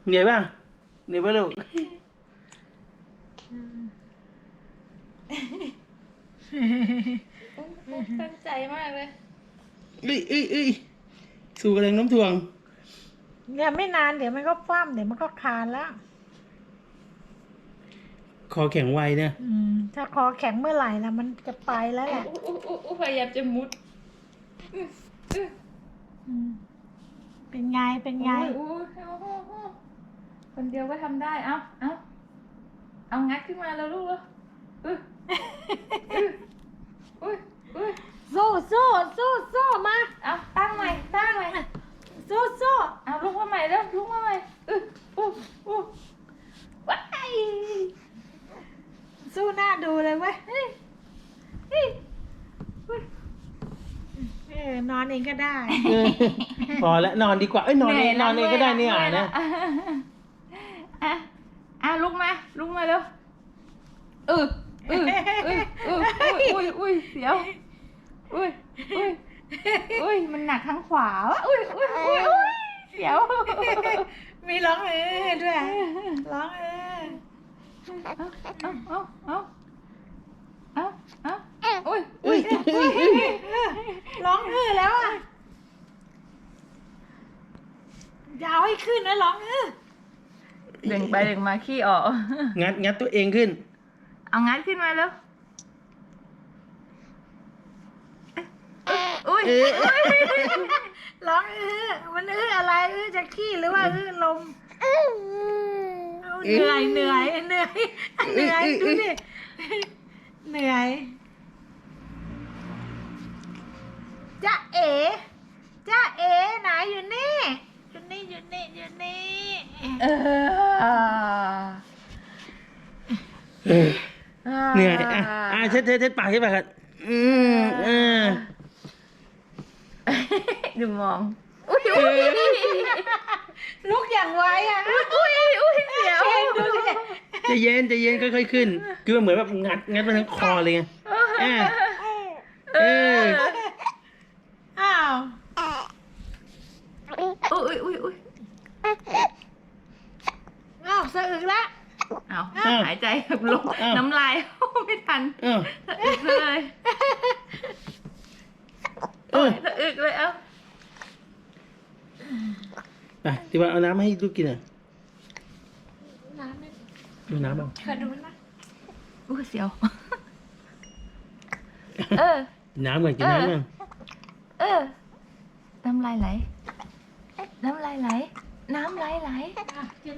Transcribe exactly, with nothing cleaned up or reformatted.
เหนื่อยป่ะเหนื่อยป่ะลูกตั้งใจมากเลยเอ้ยเอ้ยเอ้ยสู่กระแรงโน้มถ่วงเนี่ยไม่นานเดี๋ยวมันก็คว่ำเดี๋ยวมันก็คลานแล้วคอแข็งไวเนี่ยอืมถ้าคอแข็งเมื่อไหร่นะมันจะไปแล้วแหละอู้อู้อู้อู้พยายามจะมุดอื้ออื้ออืมเป็นไงเป็นไงโอ้ยโอ้ยโอ้ยโอ้ยคนเดียวก็ทำได้ เอาเอาเอางัดขึ้นมาแล้วลูกแล้วอื้ออื้ออุ้ยอุ้ยสู้สู้สู้สู้มาเอาตั้งใหม่ตั้งใหม่สู้สู้เอาลุกมาใหม่แล้วลุกมาใหม่อื้ออู้อู้ว้ายสู้หน้าดูเลยเว้ยเฮ้ยเฮ้ยเออนอนเองก็ได้เออพอแล้วนอนดีกว่าเอ้ยนอนเองนอนเองก็ได้เนี่ยอ่ะนะอ่ะอ่ะลุกมาลุกมาเร็วเออเออเออเอออุ้ยอุ้ยเสียวอุ้ยอุ้ยอุ้ยมันหนักทั้งขวาวะอุ้ยอุ้ยอุ้ยอุ้ยเสียวมีร้องเออด้วยร้องเออเอาเอาเอาเอาเอาเอาอุ้ยเอ้ยเอ้ยเอ้ยร้องเออแล้วอ่ะอยาวให้ขึ้นนะร้องเออเด้งไปเด้งมาขี้ออกงัดงัดตัวเองขึ้นเอางัดขึ้นมาแล้วอุ้ยเออร้องเออมันเอออะไรเออจะขี้หรือว่าเออลมเอาเหนื่อยเหนื่อยเหนื่อยเหนื่อยดูดิเหนื่อยจ้าเอ๋จ้าเอ๋ไหนอยู่นี่อยู่นี่อยู่นี่อยู่นี่เออเหนื่อยอ่ะอ่ะเช็ดเช็ดเช็ดปากเช็ดปากครับอืมเออดูมองอุ้ยอุ้ยลุกอย่างไวอ่ะอุ้ยอุ้ยเสียวเองดูดิใจะเย็นใจะเย็นค่อยๆขึ้น คือมันเหมือนแบบงัดงัดมาทั้งคอเลยไงอ่ะเอออ้าวอุ้ยอุ้ยอุ้ยอ้าวสะอึกแล้วเอาหายใจแบบลงน้ำลายไม่ทันเออสะอึกเลยเออสะอึกเลยเอ้าไปที่ว่าเอาน้ำมาให้ลูกกินอ่ะน้ำไม่ดูน้ำบ้างขอดูนะอุ้ยเสียวเออน้ำก่อนกินน้ำก่อนเออน้ำลายไหลน้ำลายไหลน้ำลายไหลอ่ะกิน